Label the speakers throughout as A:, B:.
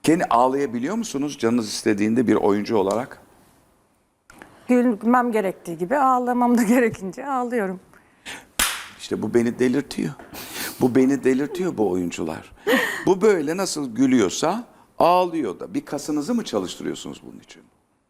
A: Kendi ağlayabiliyor musunuz canınız istediğinde bir oyuncu olarak?
B: Gülmem gerektiği gibi ağlamam da gerekince ağlıyorum.
A: İşte bu beni delirtiyor. Bu beni delirtiyor bu oyuncular. Bu böyle nasıl gülüyorsa ağlıyor da. Bir kasınızı mı çalıştırıyorsunuz bunun için?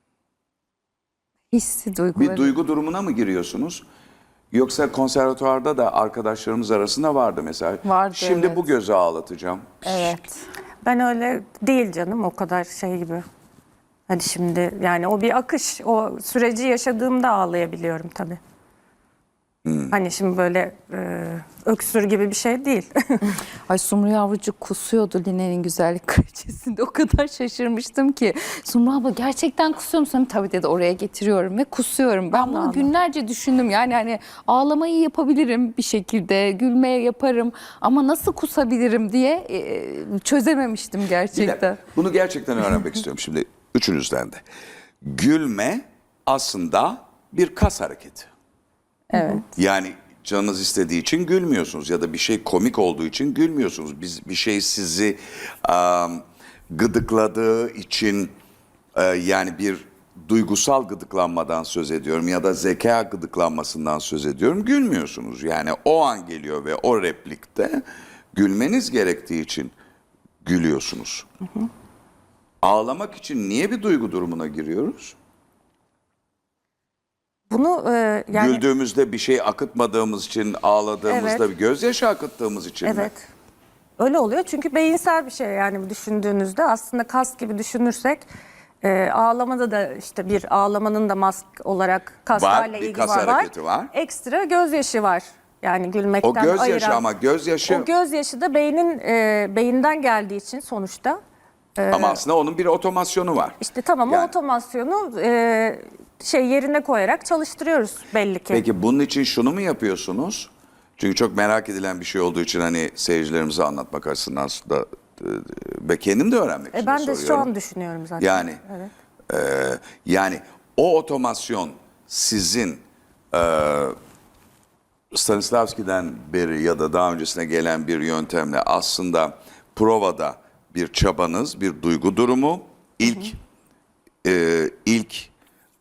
C: Hissi duyguları.
A: Bir duygu durumuna mı giriyorsunuz? Yoksa konservatuvarda da arkadaşlarımız arasında vardı mesela.
C: Vardı,
A: Şimdi
C: evet.
A: bu gözü ağlatacağım.
C: Evet.
B: Ben öyle değil canım, o kadar şey gibi. Hadi şimdi yani o bir akış. O süreci yaşadığımda ağlayabiliyorum tabii. Hani şimdi böyle öksür gibi bir şey değil.
C: Ay Sumru yavrucuk kusuyordu Line'nin güzellik kraliçesinde. O kadar şaşırmıştım ki. Sumru abla gerçekten kusuyor musun? Tabii dedi, oraya getiriyorum ve kusuyorum. Ben bunu
B: Allah.
C: günlerce düşündüm. Yani hani ağlamayı yapabilirim bir şekilde. Gülmeye yaparım. Ama nasıl kusabilirim diye çözememiştim
A: Bir
C: gerçekten.
A: dakika, bunu gerçekten öğrenmek istiyorum şimdi üçünüzden de. Gülme aslında bir kas hareketi.
C: Evet.
A: Yani canınız istediği için gülmüyorsunuz ya da bir şey komik olduğu için gülmüyorsunuz. Bir şey sizi gıdıkladığı için yani bir duygusal gıdıklanmadan söz ediyorum ya da zeka gıdıklanmasından söz ediyorum. Gülmüyorsunuz. Yani o an geliyor ve o replikte gülmeniz gerektiği için gülüyorsunuz. Ağlamak için niye bir duygu durumuna giriyoruz?
B: Bunu yani
A: Güldüğümüzde bir şey akıtmadığımız için, ağladığımızda
B: Evet.
A: bir gözyaşı akıttığımız için mi?
B: evet. Öyle oluyor çünkü beyinsel bir şey yani düşündüğünüzde aslında kas gibi düşünürsek ağlamada da işte bir ağlamanın da mask olarak kaslarla
A: Var, bir
B: ilgili
A: kas
B: var.
A: hareketi var.
B: Ekstra gözyaşı var. Yani gülmekten
A: O gözyaşı
B: ayıran.
A: ama gözyaşı
B: O gözyaşı da beyinden geldiği için sonuçta
A: ama aslında onun bir otomasyonu var.
B: işte tamam
A: Yani-
B: o otomasyonu yerine koyarak çalıştırıyoruz belli ki.
A: Peki bunun için şunu mu yapıyorsunuz? Çünkü çok merak edilen bir şey olduğu için hani seyircilerimize anlatmak açısından da ve kendim de öğrenmek için
B: Ben de
A: soruyorum.
B: şu an düşünüyorum zaten.
A: Yani
B: Evet.
A: yani o otomasyon sizin Stanislavski'den beri ya da daha öncesine gelen bir yöntemle aslında provada bir çabanız, bir duygu durumu, ilk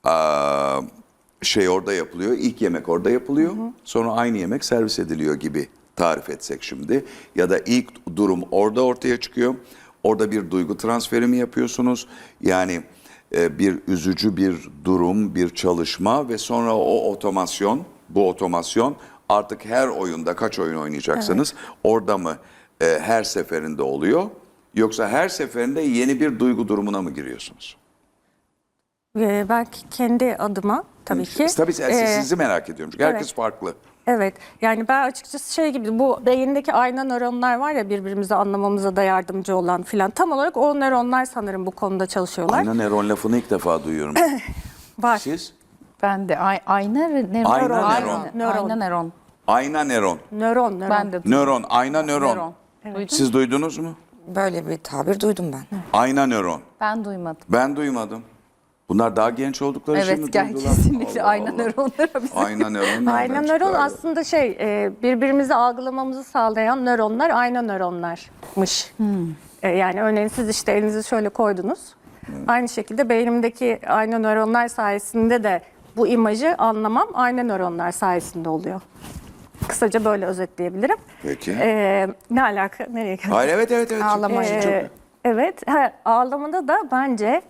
A: şey orada yapılıyor, ilk yemek orada yapılıyor, sonra aynı yemek servis ediliyor gibi tarif etsek şimdi. Ya da ilk durum orada ortaya çıkıyor, orada bir duygu transferi mi yapıyorsunuz? Yani bir üzücü bir durum, bir çalışma ve sonra o otomasyon, bu otomasyon artık her oyunda kaç oyun oynayacaksınız, orada mı her seferinde oluyor? Yoksa her seferinde yeni bir duygu durumuna mı giriyorsunuz?
B: Belki kendi adıma tabii ki.
A: Tabii sizi merak ediyorum çünkü herkes
B: evet.
A: farklı.
B: Evet yani ben açıkçası şey gibi bu beyindeki ayna nöronlar var ya birbirimizi anlamamıza da yardımcı olan filan tam olarak o nöronlar sanırım bu konuda çalışıyorlar.
A: Ayna nöron lafını ilk defa duyuyorum.
B: Var.
A: Siz?
C: Ben de ayna neron.
A: Ayna
C: Ayna
A: nöron.
C: Ayna neron.
A: Ayna nöron.
B: Nöron.
C: Ben de
A: Nöron, ayna nöron.
C: Neron. Duydun mu?
A: Siz duydunuz mu?
D: Böyle bir tabir duydum ben.
A: Ayna nöron.
C: Ben duymadım.
A: Ben duymadım. Bunlar daha genç oldukları için mi
C: Evet, gel
A: duydular?
C: kesinlikle
A: Allah
C: ayna
A: Allah.
C: nöronlara bize.
A: Ayna nöron.
B: Ayna
A: nereden
B: nöron
A: çıktı
B: aslında birbirimizi algılamamızı sağlayan nöronlar ayna nöronlarmış. Yani örneğin siz işte elinizi şöyle koydunuz. Aynı şekilde beynimdeki ayna nöronlar sayesinde de bu imajı anlamam ayna nöronlar sayesinde oluyor. Kısaca böyle özetleyebilirim.
A: Peki.
B: Ne alaka? Nereye geldik?
A: Hayır evet.
D: Ağlama.
B: Evet, ağlamada da bence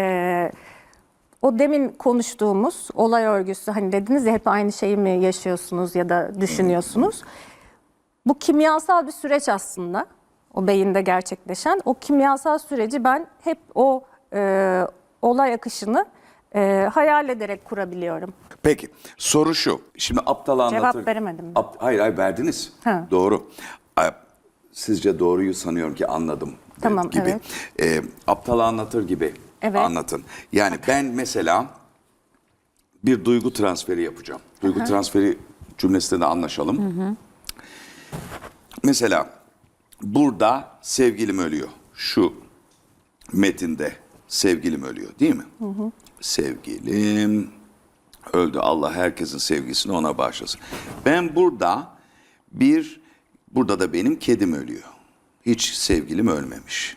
B: o demin konuştuğumuz olay örgüsü hani dediniz ya hep aynı şeyi mi yaşıyorsunuz ya da düşünüyorsunuz. Bu kimyasal bir süreç aslında o beyinde gerçekleşen. O kimyasal süreci ben hep o olay akışını hayal ederek kurabiliyorum.
A: Peki soru şu. Şimdi aptal anlatır.
B: Cevap veremedim mi?
A: Hayır verdiniz.
B: Ha.
A: Doğru. Sizce doğruyu sanıyorum ki anladım.
B: Tamam,
A: gibi. Aptal anlatır gibi
B: Evet.
A: anlatın. Yani ben mesela bir duygu transferi yapacağım. Duygu transferi cümlesinde de anlaşalım. Mesela burada sevgilim ölüyor. Şu metinde sevgilim ölüyor değil mi? Sevgilim öldü. Allah herkesin sevgisini ona bağışlasın. Ben burada da benim kedim ölüyor. Hiç sevgilim ölmemiş.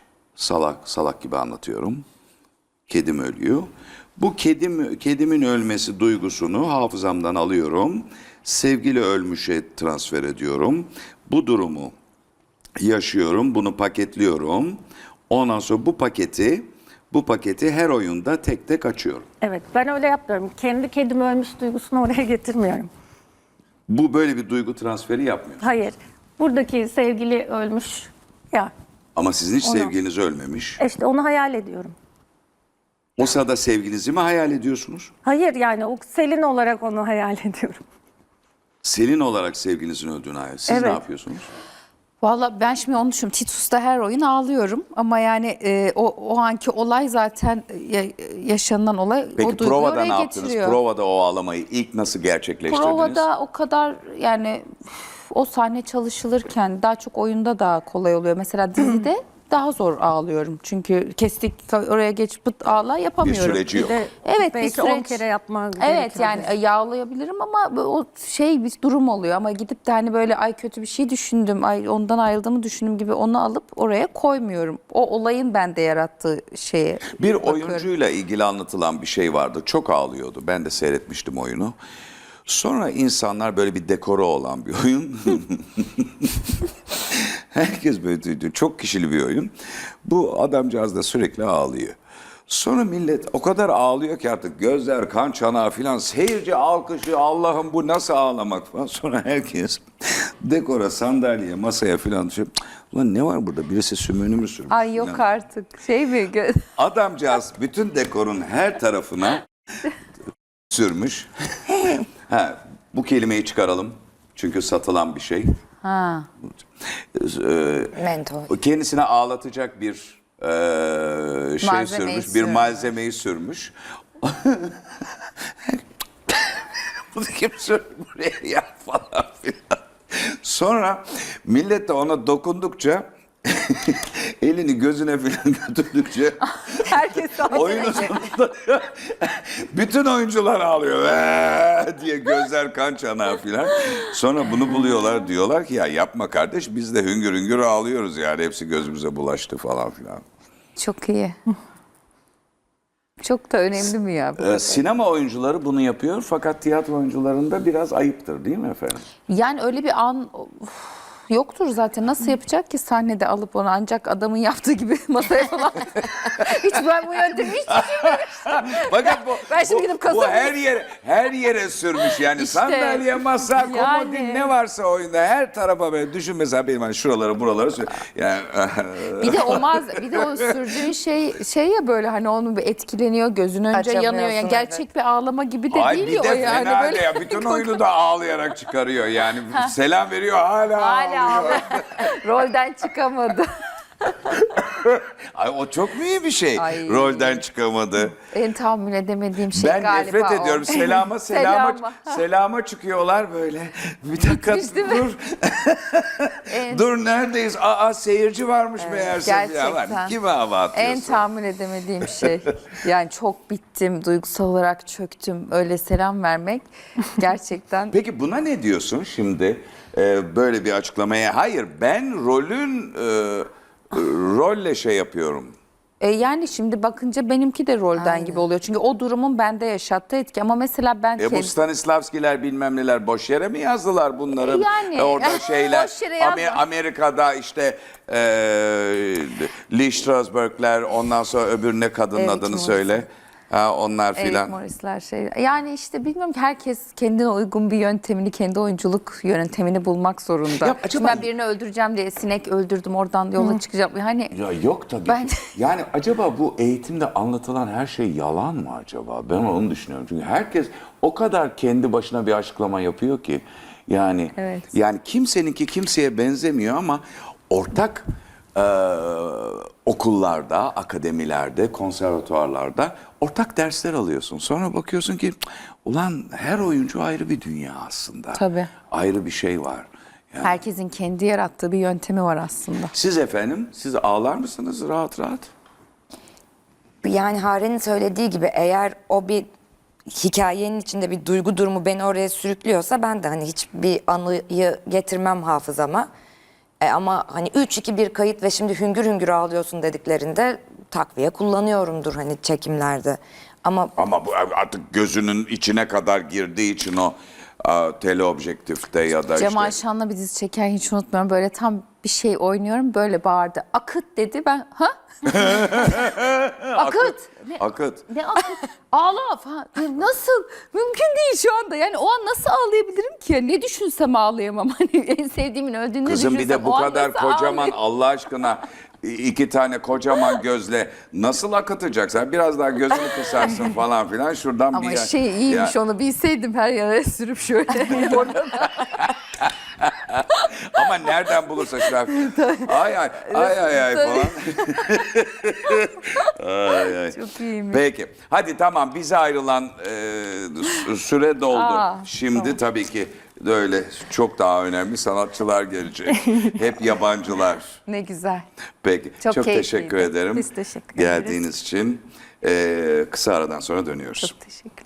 A: salak gibi anlatıyorum. Kedim ölüyor. Bu kedimin ölmesi duygusunu hafızamdan alıyorum. Sevgili ölmüşe transfer ediyorum. Bu durumu yaşıyorum, bunu paketliyorum. Ondan sonra bu paketi her oyunda tek tek açıyorum.
B: Evet, ben öyle yapmıyorum. Kendi kedim ölmüş duygusunu oraya getirmiyorum.
A: Bu böyle bir duygu transferi yapmıyor.
B: Hayır, buradaki sevgili ölmüş ya,
A: Ama sizin hiç
B: Onu-
A: sevgiliniz ölmemiş.
B: işte onu hayal ediyorum.
A: O sırada sevgilinizi mi hayal ediyorsunuz?
B: Hayır, yani o Selin olarak onu hayal ediyorum.
A: Selin olarak sevgilinizin öldüğünü hayal. Siz ne
B: Evet.
A: yapıyorsunuz?
C: Valla ben şimdi onu düşünüyorum. Titus'ta her oyun ağlıyorum ama yani o anki olay zaten yaşanılan olay o
A: Peki
C: duyguyu
A: provada
C: oraya
A: ne yaptınız?
C: getiriyor.
A: Provada o ağlamayı ilk nasıl gerçekleştirdiniz?
C: Provada o kadar yani o sahne çalışılırken daha çok oyunda daha kolay oluyor. Mesela dizide daha zor ağlıyorum. Çünkü kestik oraya geç pıt ağla
A: Bir
C: yapamıyorum.
A: süreci yok.
C: Evet,
B: Belki
C: bir
B: 10
C: süreç.
B: kere yapman
C: Evet,
B: gerekiyor.
C: yani yağlayabilirim ama o şey bir durum oluyor ama gidip de hani böyle ay kötü bir şey düşündüm, ay ondan ayrıldığımı düşündüm gibi onu alıp oraya koymuyorum. O olayın bende yarattığı şeye
A: Bir
C: bakıyorum.
A: oyuncuyla ilgili anlatılan bir şey vardı. Çok ağlıyordu. Ben de seyretmiştim oyunu. Sonra insanlar böyle bir dekoru olan bir oyun. Herkes böyle duydu. Çok kişili bir oyun. Bu adamcağız da sürekli ağlıyor. Sonra millet o kadar ağlıyor ki artık gözler kan çanağı filan. Seyirci alkışı, Allah'ım bu nasıl ağlamak falan. Sonra herkes dekora, sandalyeye, masaya filan düşüyor. Ulan ne var burada? Birisi sümüğünü mü sürmüş?
C: Ay yok
A: filan.
C: artık şey mi?
A: Adamcağız bütün dekorun her tarafına sürmüş. Ha, bu kelimeyi çıkaralım. Çünkü satılan bir şey.
C: Ha.
D: Mentol.
A: Kendisine ağlatacak bir şey
C: Malzemeyi
A: sürmüş. Bir
C: sürmüş.
A: malzemeyi sürmüş. Bunu kim sürdü buraya ya falan filan. Sonra millet de ona dokundukça elini gözüne falan götürdükçe
C: Herkes
A: oyunun sonunda bütün oyuncular ağlıyor diye gözler kan çanağı filan. Sonra bunu buluyorlar, diyorlar ki ya yapma kardeş, biz de hüngür hüngür ağlıyoruz yani, hepsi gözümüze bulaştı falan filan.
C: Çok iyi. Çok da önemli mi ya?
A: Sinema oyuncuları bunu yapıyor fakat tiyatro oyuncularında biraz ayıptır değil mi efendim?
C: Yani öyle bir an yoktur zaten. Nasıl yapacak ki sahnede alıp onu, ancak adamın yaptığı gibi masaya falan. Hiç ben bu yöntemi hiç
A: Fakat bu,
C: Ben şimdi gidip
A: bu
C: kasabaya-
A: her yere sürmüş yani,
C: İşte,
A: sandalye, masa, komodin
C: yani.
A: ne varsa oyunda her tarafa böyle düşün, mesela benim hani şuraları buraları yani
C: Bir de o sürdüğün şey ya, böyle hani onun bir etkileniyor, gözün önce yanıyor. Yani
D: Açamıyorsun,
C: gerçek bir ağlama gibi de
A: ay
C: değil
A: bir
C: ya
A: de
C: o yani.
A: fena
C: Böyle
A: ya, bütün oyunu da ağlayarak çıkarıyor yani, selam veriyor hala
C: hala
A: ağlıyor.
C: rolden çıkamadı.
A: Ay o çok mu iyi bir şey?
C: Ay.
A: Rolden çıkamadı.
C: En tahammül edemediğim şey
A: Ben
C: galiba
A: nefret
C: o.
A: ediyorum. Selama çıkıyorlar böyle. Bir dakika
C: Değil mi?
A: dur. Dur neredeyiz? Aa seyirci varmış meğerse.
C: gerçekten.
A: Ya, lan, kime hava atıyorsun?
C: En tahammül edemediğim şey. Yani çok bittim, duygusal olarak çöktüm. Öyle selam vermek gerçekten.
A: Peki buna ne diyorsun şimdi? Böyle bir açıklamaya. Hayır, ben rolle şey yapıyorum.
C: Yani şimdi bakınca benimki de rolden gibi oluyor. Çünkü o durumun bende yaşattığı etki. Ama mesela ben
A: Bu Stanislavskiler bilmem neler boş yere mi yazdılar bunları?
C: Yani,
A: Orada şeyler
C: boş yere yazma.
A: Amerika'da işte Lee Strasberg'ler, ondan sonra öbür ne kadının
C: Eric
A: adını
C: Morris.
A: söyle. Ha, onlar
C: Eric
A: filan.
C: Morris'ler şey. Yani işte bilmiyorum ki, herkes kendine uygun bir yöntemini, kendi oyunculuk yöntemini bulmak zorunda.
A: Ya acaba-
C: Şimdi ben birini öldüreceğim diye sinek öldürdüm, oradan yola çıkacağım. Yani
A: Ya yok tabii.
C: Ben-
A: Yani acaba bu eğitimde anlatılan her şey yalan mı acaba? Ben onu düşünüyorum. Çünkü herkes o kadar kendi başına bir açıklama yapıyor ki. Yani
C: Evet.
A: yani kimseninki kimseye benzemiyor ama ortak okullarda, akademilerde, konservatuvarlarda ortak dersler alıyorsun. Sonra bakıyorsun ki ulan her oyuncu ayrı bir dünya aslında.
C: Tabii.
A: Ayrı bir şey var. Yani
C: herkesin kendi yarattığı bir yöntemi var aslında.
A: siz efendim, siz ağlar mısınız rahat rahat?
D: Yani Hare'nin söylediği gibi, eğer o bir hikayenin içinde bir duygu durumu beni oraya sürüklüyorsa, ben de hani hiçbir anıyı getirmem hafızama. Ama hani 3-2-1 kayıt ve şimdi hüngür hüngür ağlıyorsun dediklerinde takviye kullanıyorumdur hani çekimlerde. Ama
A: Ama bu artık gözünün içine kadar girdiği için o teleobjektifte ya da
C: Cemal
A: işte
C: Şan'la bir dizi çekerken hiç unutmuyorum. Böyle tam bir şey oynuyorum. Böyle bağırdı. Akıt dedi. Ben ha? Akıt.
A: akıt.
C: Ne akıt? Ağla falan. Nasıl? Mümkün değil şu anda. Yani o an nasıl ağlayabilirim ki? Ne düşünsem ağlayamam. Hani en sevdiğimin öldüğünü
A: Kızım bir
C: düşünsem
A: de bu
C: o an
A: kadar
C: nasıl
A: kocaman
C: ağlayayım?
A: Allah aşkına 2 tane kocaman gözle nasıl akıtacaksın? Biraz daha gözünü kısarsın falan filan şuradan
C: Ama
A: bir
C: şey iyiymiş, onu bilseydim her yere sürüp şöyle.
A: Ama nereden bulursa şu an ay ay ay ay ay falan. Ay, ay.
C: Çok iyiymiş.
A: Peki. Hadi tamam bize ayrılan süre doldu.
C: Aa,
A: Şimdi tabii ki böyle çok daha önemli sanatçılar gelecek. Hep yabancılar.
C: Ne güzel.
A: Peki.
C: Çok
A: Çok teşekkür
C: keyifliydi.
A: ederim.
B: Biz teşekkür ederiz.
A: Geldiğiniz için. Kısa aradan sonra dönüyoruz.
B: Çok teşekkür